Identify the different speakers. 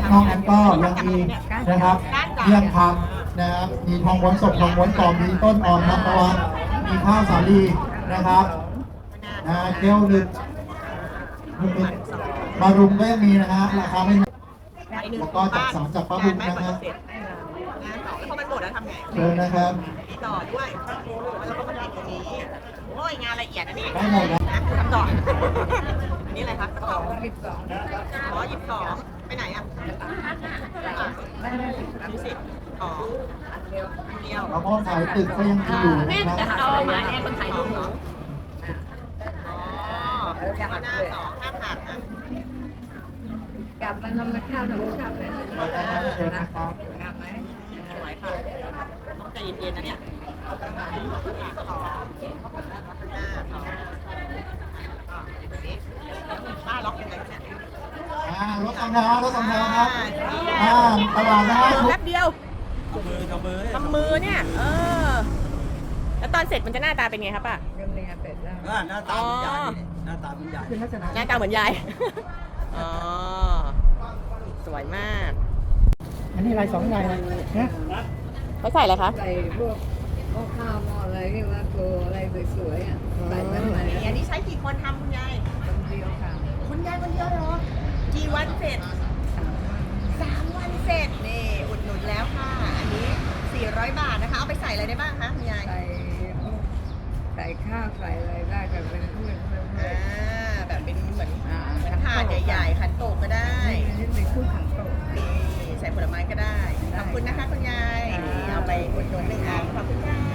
Speaker 1: นอกนั้นก็ยังมีนะครับเมี่ยงคำนะครับมีทองม้วนสดทองม้วนกรอบมีต้นอ่อนน้ำตะวันมีข้าวสาลีนะครับเกลียวหนึ่งมารุมก็ยังมีนะฮะราคาไม่แล้วก็จัดสรรจากป้าบุญนะฮะ
Speaker 2: งานต่อแล้วพอมันหมดแล้วทำไง
Speaker 1: เชิญนะครับ
Speaker 2: มีต่อด้วยแล้วก็มาติดตรงนี้โอ้ยงานละเอียดอันนี้
Speaker 1: ได้หมดนะ
Speaker 2: ทำต่ออันนี้อะไรครับต่ออ๋อ22ไปไหนอ่ะ20อ๋อเดียว
Speaker 1: แล้วก็ขายตึกก็ยังมีอยู่นะครับ
Speaker 2: เอามาเนี่ยคนถ่ายรูปเหรออ๋อหน้าต่อข้ามหักอ่ะ
Speaker 3: กลับมาทำข้าวหนูชอบเลย
Speaker 1: เชิญนะครับ
Speaker 3: กลับไหม
Speaker 2: สวยค่ะต้องใจเย็นๆนะเนี่ยต่อหน้าต่อป้าล็อกยังไงเนี่ย
Speaker 1: รถสำเภารถสำเภาครับตลาดนะฮะ
Speaker 2: แป๊บเดียวทำมือเนี่ย แล้วตอนเสร็จมันจะหน้าตาเป็นไงครับป้า
Speaker 3: เริ่มเรียนเสร็จแล้ว
Speaker 4: หน้าตาเป็นใหญ่หน้าตาเป็นใหญ่
Speaker 1: เป็นลักษณะ
Speaker 2: หน้าตาเหมือนยาย อ๋อ สวยมาก
Speaker 1: อันนี้ลาย2ลายนะ
Speaker 2: เขาใส่อะไรคะ
Speaker 3: ใส่พวกหม้อข้าวหม้ออะไรที่ว่าโกอะไรสวยๆอ่ะใส่ไปไหน
Speaker 2: อันนี้ใช้กี่คนทำคุณยาย
Speaker 3: คนเดียวค่ะ
Speaker 2: คุณยายคนเดียวเหรอ กี่วันเสร็จ 3 วันเสร็จ นี่อุดหนุนแล้วค่ะ อันนี้ 400 บาทนะคะ เอาไปใส่อะไรได้บ้างคะคุณยาย
Speaker 3: ใส่พวกใส่ข้าวใส่อะไรได้แต่เป็นเพื่อน
Speaker 2: แบบเป็นเหมือนถาดใหญ่ๆขันโตกก็ได้
Speaker 3: นี่เป็นคู่ขังโต
Speaker 2: นี่ใส่ผลไม้ก็ได้ ขอบคุณนะคะคุณยายนี่เอาไปอุดหนุน1 อันขอบคุณค่ะ